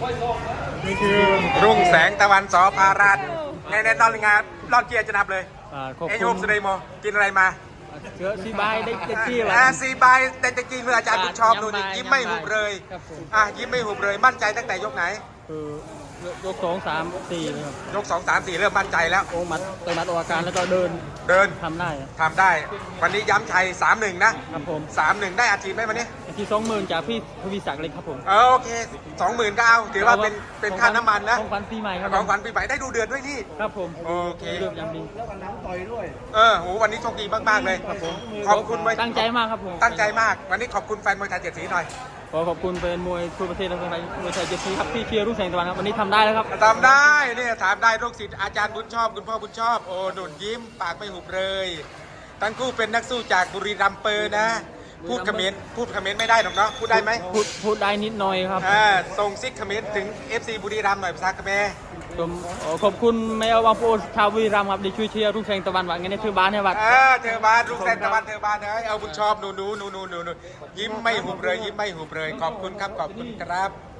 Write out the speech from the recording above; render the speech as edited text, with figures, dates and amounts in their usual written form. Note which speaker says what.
Speaker 1: นี่คือ
Speaker 2: รุ่งแสงตะวันสอพาราชในตอนงานรอดเกียร์จะนับเลย
Speaker 1: ขอบ
Speaker 2: เอ็น
Speaker 1: คุ
Speaker 2: ยู
Speaker 1: ณ
Speaker 2: สเดย์โมกินอะไรมา
Speaker 1: เชื้อซีบายได้เจ็ดที่แล้
Speaker 2: ซีบายแต่จะกินเมื่ออาจารย์บุญชอบดูนี่ยิ้มไม่หุบเลยยิ้มไม่หุบเลยมั่นใจตั้งแต่ยกไหน
Speaker 1: คือยก2 3 4ครับ
Speaker 2: ยก2 3 4เริ่มมั่นใจแล้ว
Speaker 1: โอ้มัดเติมมัดออกอาการแล้วก็เดินทำได้
Speaker 2: วันนี้ย้ำชัย 3-1 นะครับ
Speaker 1: ผม
Speaker 2: 3-1 ได้อาชีพไหมวันนี้
Speaker 1: ที่20,000จากพี่ทวีศักดิ์เลยครับผม
Speaker 2: โอเค 20,000 ก็เอาถือว่าเป็นค่าน้ำมันนะ
Speaker 1: ของขวัญปีใหม่ครับ
Speaker 2: ของขวัญปีใหม่ได้ดูเดือนด้วยนี่
Speaker 1: ครับผม
Speaker 2: โอเค
Speaker 1: เดือนยังดี
Speaker 3: แล้วก็น้ำต่อยด้วย
Speaker 2: โหวันนี้โชคดีมากๆเลยครับผมขอบคุณ
Speaker 1: ตั้งใจมากครับผม
Speaker 2: ตั้งใจมากวันนี้ขอบคุณแฟนมวยไทย7 สีหน่อย
Speaker 1: ขอบคุณเป็นมวยทั่วประเทศและคนไทยมวยไทย7 สีครับที่เชียร์รุ่งแสงตะวันครับวันนี้ทำได้แล้วครับ
Speaker 2: ทำได้เนี่ยถามได้ลูกศิษย์อาจารย์บุญชอบคุณพ่อบุญชอบโอ้หนุนยิ้มปากไม่หุบเลยทั้งคู่เป็นนักสู้จากบุรีรัมย์เปอร์นะพูดเขมรไม่ได้หรอกเนาะพูดได้ไหม
Speaker 1: พูดได้นิดหน่อยครับ
Speaker 2: ส่งซิกเขมรถึง FC บุรีรัมย์หน่อยภาษาเขมร
Speaker 1: ผมขอบคุณแม่บางปูชาวบุรีรัมย์ครับที่ช่วยเชียร์รุ่งแสงตะวันว่างั้นเธอบ้านเนี่ยวัด
Speaker 2: เธอบ้านรุ่งแสงตะวันเธอบ้านเอาบุญชอบหนูยิ้มไม่หุบเลยยิ้มไม่หุบเลยขอบคุณครับขอบคุณครับ